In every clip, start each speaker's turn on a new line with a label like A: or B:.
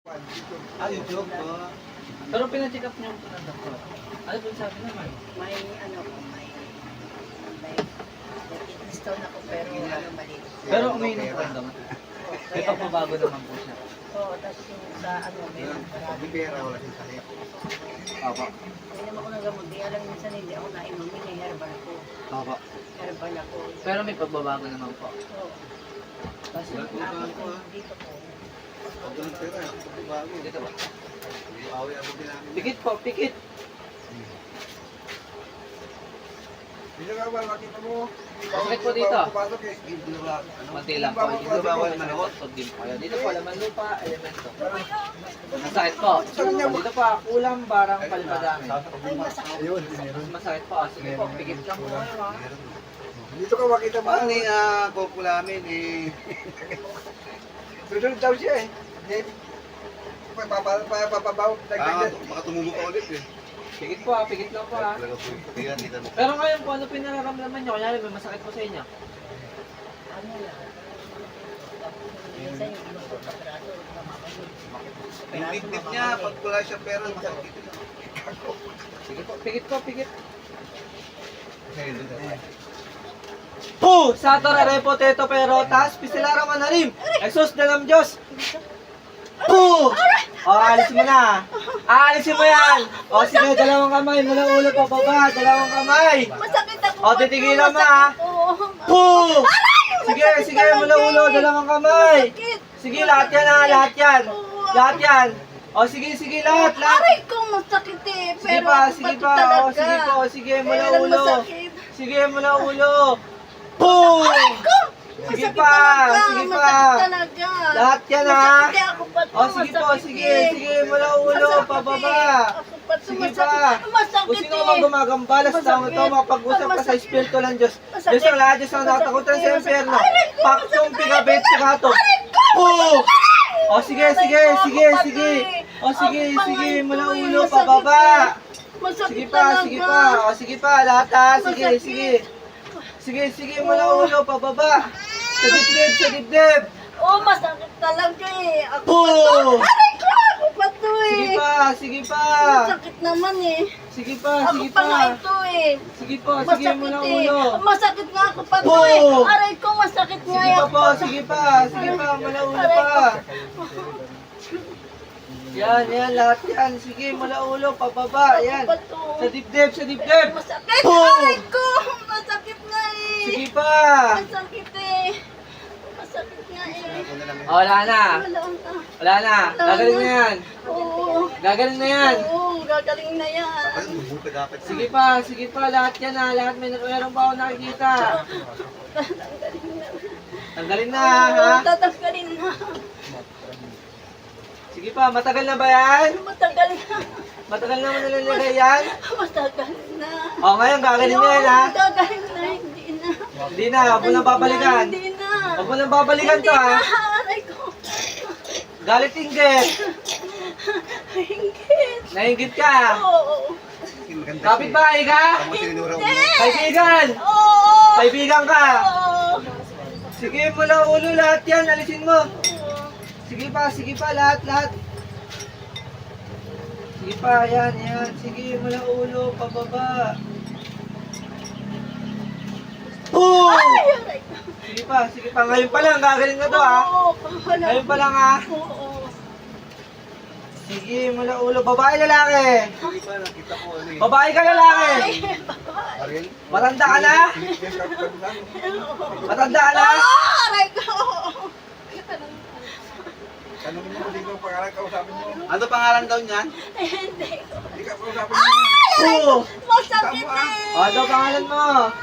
A: YouTube po.
B: Pero pina-check up niyo po ng doktor. Ano po sabi naman?
C: May stone ako pero maliit.
B: Pero umiinom po yung gamot. May pagbabago naman po siya.
C: Oo, tapos yung sa meron marami.
A: Hindi pera, wala siyang sakit.
B: Opo.
C: Inom ako ng gamot, di alam minsan hindi ako nainumin ng herbal ko.
B: Opo.
C: Herbal ako.
B: Pero may pagbabago naman po.
C: Oo.
B: Kasi
C: Yung akin ko dito po.
A: Huwag ko ng pera, bago.
B: dito ba?
A: Away ako din namin.
B: Pikit po, pikit.
A: Hindi ka ba, makita mo?
B: Masakit po dito.
A: Papasok eh. Hindi na ba?
B: Konti lang po.
A: Hindi ba bawal manukot?
B: Pag din po kayo. Dito po, laman lupa, elemento. Masakit po. Dito po, kulang barang palmadami.
C: Ay, masakit.
A: Ayun, meron.
B: Masakit po. Sige po, pikit lang po kayo ha.
A: Dito ka makita mo. Ano yung kopo namin eh. Susunod daw siya eh. Papabaw. Baka tumubo ka ulit eh.
B: Pikit po ha, pikit lang po ha. Pero ngayon po, ano pinararamdaman nyo? Kanyari may masakit po sa inyo.
C: Ano lang. Minsan yung inom ko sa braso, mamamayos.
A: Yung tip niya, pag wala siya pera, masakit.
B: Sige po, pikit po, pikit.
A: Eh.
B: Po! Sato rare potato perotas, pisilara manarim. Exos dalam Diyos. Po! O, alisin mo na. Alisin mo yan. O, sige, dalawang kamay. Mula ulo pa baba. Dalawang kamay.
C: Masakit ako.
B: O, titigilan mo ha. Po! Sige, sige, mula ulo. Dalawang kamay. Sige, lahat yan ha. Lahat yan. Lahat yan. O, sige, sige, lahat. Lahat.
C: Aray ko, masakit eh.
B: Sige
C: Pero
B: pa,
C: ako
B: sige
C: ba't
B: pa.
C: talaga?
B: O, sige po. Sige, mula
C: Kailan
B: ulo.
C: masakit?
B: Sige, mula ulo. Po!
C: Aray ko!
B: Sige
C: Masakit
B: pa,
C: talaga,
B: sige pa.
C: Masakit talaga.
B: Lahat yan ha.
C: Masakit eh, ako pa to,
B: O sige po,
C: masakit
B: sige,
C: eh.
B: sige, mula ulo,
C: Masakit
B: pababa.
C: eh. Ako pa to,
B: Sige
C: masakit.
B: pa.
C: Masakit
B: Kung sino
C: eh.
B: mang gumagambala sa taong ito,
C: Masakit.
B: makapag-usap ka sa
C: Masakit.
B: Espiritu ng Diyos.
C: Masakit.
B: Diyos ang lahat, Diyos ang nakatakutan sa
C: Masakit.
B: impyerno.
C: Aray ko,
B: Paktong
C: masakit.
B: pigabit sa gato. Po! O sige, sige, sige, sige. O sige, sige, mula ulo, pababa. Sige pa, sige pa. O sige pa, lahat ha. Sige,
C: Masakit.
B: sige. Sige, sige, mula ulo, pababa. Sa dibdib, sa dibdib.
C: Oh, masakit talaga eh. Ako
B: Po!
C: pa to. Aray ko, ako pa to
B: Sige
C: eh.
B: pa, sige pa.
C: Masakit naman eh.
B: Sige pa,
C: Ako
B: sige
C: pa nga
B: pa.
C: ito eh.
B: Sige po, sige
C: Masakit
B: mula
C: eh.
B: ulo.
C: Masakit nga ako pa to
B: Po!
C: eh. Aray ko, masakit nga
B: Sige pa
C: ako
B: po, sige pa, sige pa, mula ulo
C: Aray
B: pa. Yan, yan, lahat yan. Sige, mula ulo, pababa, yan.
C: Ako pa to.
B: Sa dibdib, sa dibdib.
C: Masakit.
B: Po!
C: Aray ko, masakit nga eh.
B: Sige pa.
C: Masakit eh. Masakit nga eh.
B: O, wala na.
C: Wala na.
B: Wala na. Gagaling na yan.
C: Oo.
B: Gagaling na yan.
C: Oo, gagaling na yan.
B: Sige pa, lahat yan ha. Lahat meron pa ako nakikita.
C: Tatanggalin na.
B: Tanggalin na,
C: Oo,
B: ha?
C: tatanggalin na.
B: Sige pa, matagal na ba yan?
C: Matagal na.
B: Matagal na mo nilalagay yan?
C: Matagal na.
B: O, ngayon, gagaling na yan, ha?
C: Gagaling na, hindi na.
B: Hindi na, huwag mo nang babalikan.
C: Hindi na.
B: Huwag mo nang babalikan to, ha?
C: Hindi na, aray ko.
B: Galit inggit.
C: Hingkit.
B: Nainggit ka.
C: Oo.
B: Kapit-bahay ka? Kaibigan.
C: Oo.
B: Kaibigan ka.
C: Oo.
B: Sige, mula ulo lahat yan. Alisin mo. Sige pa, lahat. Sige pa, yan. Sige, mula ulo, pababa. Oh!
C: Ay, aray ko.
B: Sige pa. Ngayon pa lang, gagaling na to, ha?
C: Oo, wala.
B: Ngayon pa lang, ha?
C: Oo.
B: Sige, mula ulo. Babae, lalaki.
A: Hindi pa, nakita ko ano eh.
B: Babae ka, lalaki.
A: Ariel?
B: Matanda ka na? Matanda ka na?
C: Aray ko.
A: Tanungin mo kung sino ang pangalan kausapin mo. Ano pangalan daw niyan?
C: Hindi.
A: Hindi ka kausapin mo.
B: Oo.
C: Masakit eh.
B: Ano pangalan mo?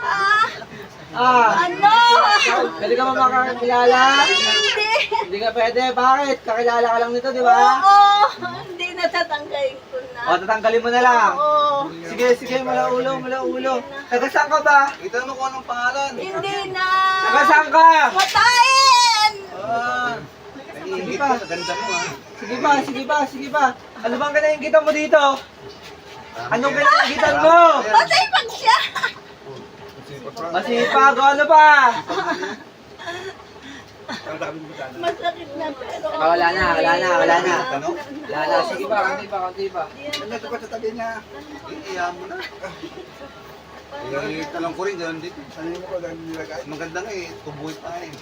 C: Ano?
B: Pwede ka ba makakilala?
C: Hindi.
B: Hindi ka pwede. Bakit? Kakilala ka lang nito, di ba?
C: Oo. Hindi natatanggalin ko na.
B: O, tatanggalin mo na lang.
C: Oo.
B: Sige, mula ulo. Taga saan ka ba?
A: Itanong ko anong pangalan.
C: Hindi na.
B: Taga saan ka?
C: Patayin!
A: Ah, naiingit ka sa ganda mo ha.
B: Sige pa. Ano bang kinaingitan mo dito? Anong kinaingitan mo?
C: Patay pag siya.
B: Masipag, ano pa?
A: Ang dami mo sana.
C: Masakit na pero...
B: Wala na.
A: Ano?
B: Wala na. Sige pa, konti pa.
A: Nandito pa sa tabi niya. Iiyahan mo na. Talong ko rin, gano'n dito. Sanin mo ko, dahil nilagay. Maganda nga eh, tubuhay pa eh.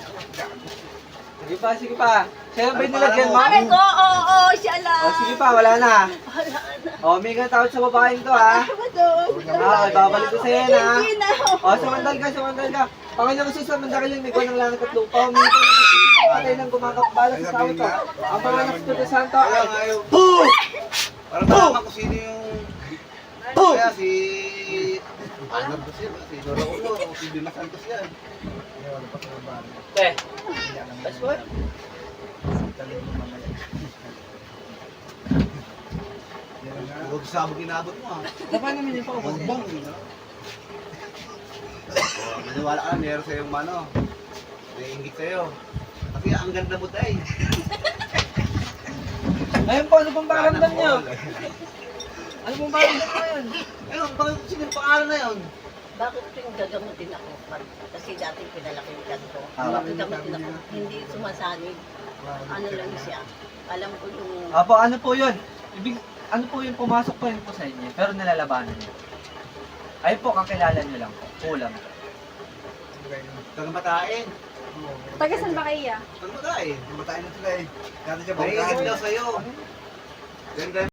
B: Sige pa. Siya ba yung nilagyan mo?
C: Aray ko, oo, siya lang.
B: Sige pa, wala na.
C: Wala na.
B: May nga tawad sa babaeng to, ha? Babalik ko sa'yo, ha?
C: Hindi na.
B: Sumandal ka. Panginoon Jesus, samandal yung migo ng langit at lupa. Humingi ko ng patay ng gumakapala sa tao to. Ang mga Espiritu Santo ay...
A: Ayaw.
B: Boo!
A: Para malaman ko sino yung...
B: Boo!
A: Kaya si... Ano ba siya? Si Dora Ulo o si Dina Santos yan.
B: That's what?
A: Huwag sabog inabot mo ah.
B: Dapat naman yung paubos.
A: Bong! Maniwala ka na, meron sa'yong ano. Naiingit sa'yo. Kasi ang ganda mo tayo.
B: Ayun po, ano pong pakiramdam nyo? Ano pong pakiramdam nyo yun?
A: Ayun, bakit sino yung pangalan na yun?
C: Bakit tuwing gagamutin ako? Kasi dati pinalaki yung ganito.
B: Ah.
C: Gagamutin ako. Hindi sumasanig. Ano lang siya. Alam ko yung...
B: Apo, ano po yun? Ano po yung pumasok pa yun po sa inyo, pero nalalabanan nyo. Ayun po, kakilala nyo lang po. Kulang.
A: Kagamatain.
D: Taga saan ba kayo?
A: Kagamatain. Kagamatain na sila eh. Dati siya banggaan daw sa'yo. Ganda